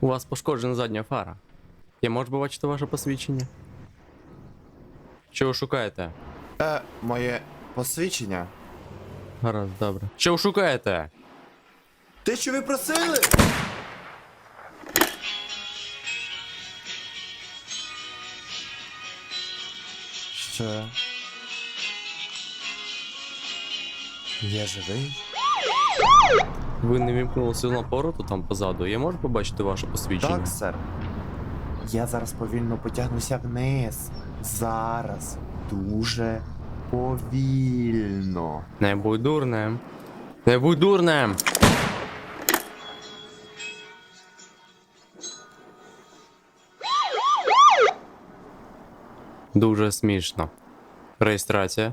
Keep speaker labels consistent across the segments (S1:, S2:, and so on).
S1: У вас пошкоджена задня фара. Я можу побачити ваше посвідчення? Що ви шукаєте?
S2: Моє посвідчення.
S1: Гаразд, добре. Що ви шукаєте?
S2: Те, що ви просили? Що? Я живий?
S1: Ви не вімкнули сигнал повороту там позаду. Я можу побачити ваше посвідчення?
S2: Так, сер. Я зараз повільно потягнуся вниз. Зараз. Дуже повільно.
S1: Не будь дурним. Не будь дурним! Дуже смішно. Реєстрація.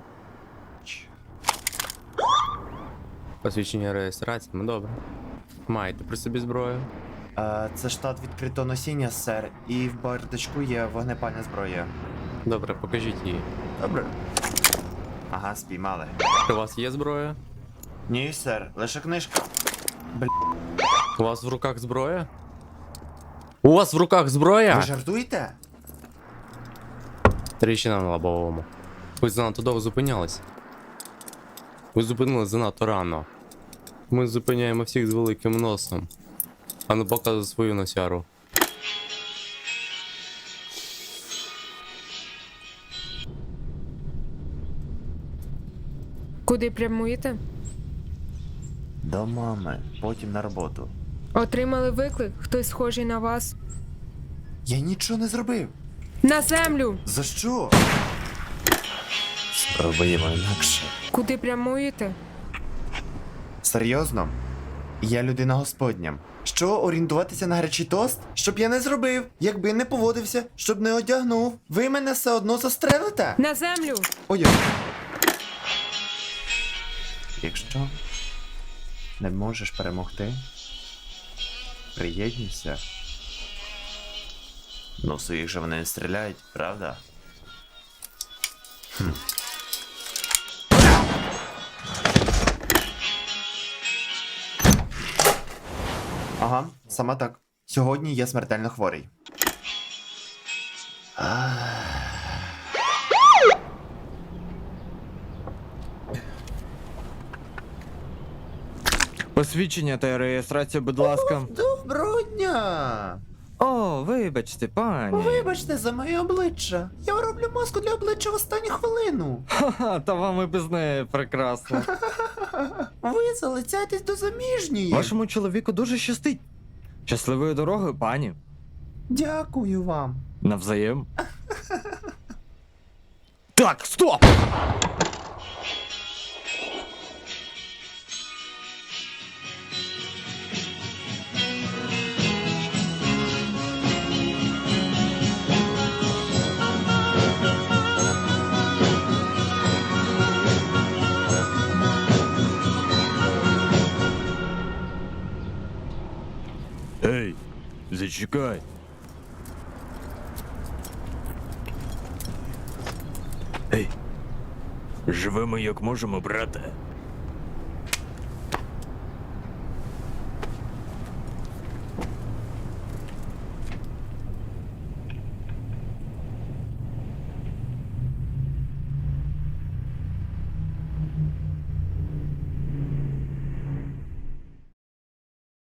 S1: Посвідчення реєстрації, ну добре. Маєте при собі зброю?
S2: Це штат відкритого носіння, сер, і в бардачку є вогнепальна зброя.
S1: Добре, покажіть її.
S2: Добре. Ага, спіймали.
S1: У вас є зброя?
S2: Ні, сер, лише книжка.
S1: У вас в руках зброя? У вас в руках зброя?
S2: Ви жартуєте?
S1: Тріщина на лобовому. Ви занадто довго зупинялись. Ви зупинились занадто рано. Ми зупиняємо всіх з великим носом. А не показуй свою носяру.
S3: Куди прямуєте?
S2: До мами, потім на роботу.
S3: Отримали виклик? Хтось схожий на вас?
S2: Я нічого не зробив.
S3: На землю!
S2: За що? Спробуємо інакше.
S3: Куди прямуєте?
S2: Серйозно? Я людина господня. Що, орієнтуватися на гарячий тост? Щоб я не зробив, якби не поводився, щоб не одягнув. Ви мене все одно застрелите?
S3: На землю!
S2: Ой. Якщо не можеш перемогти, приєднуйся. Ну, своїх же вони не стріляють, правда? Ага, саме так. Сьогодні я смертельно хворий.
S4: Посвідчення та реєстрацію, будь ласка.
S2: Доброго дня!
S4: О, вибачте, пані.
S2: Вибачте за моє обличчя. Я роблю маску для обличчя в останню хвилину.
S4: Ха-ха, та вам і без неї прекрасно.
S2: Ви залицяєтесь до заміжньої.
S4: Вашому чоловіку дуже щастить. Щасливої дороги, пані.
S2: Дякую вам.
S4: Навзаєм. Так, стоп! Ей, зачекай. Ей, живемо як можемо, брате.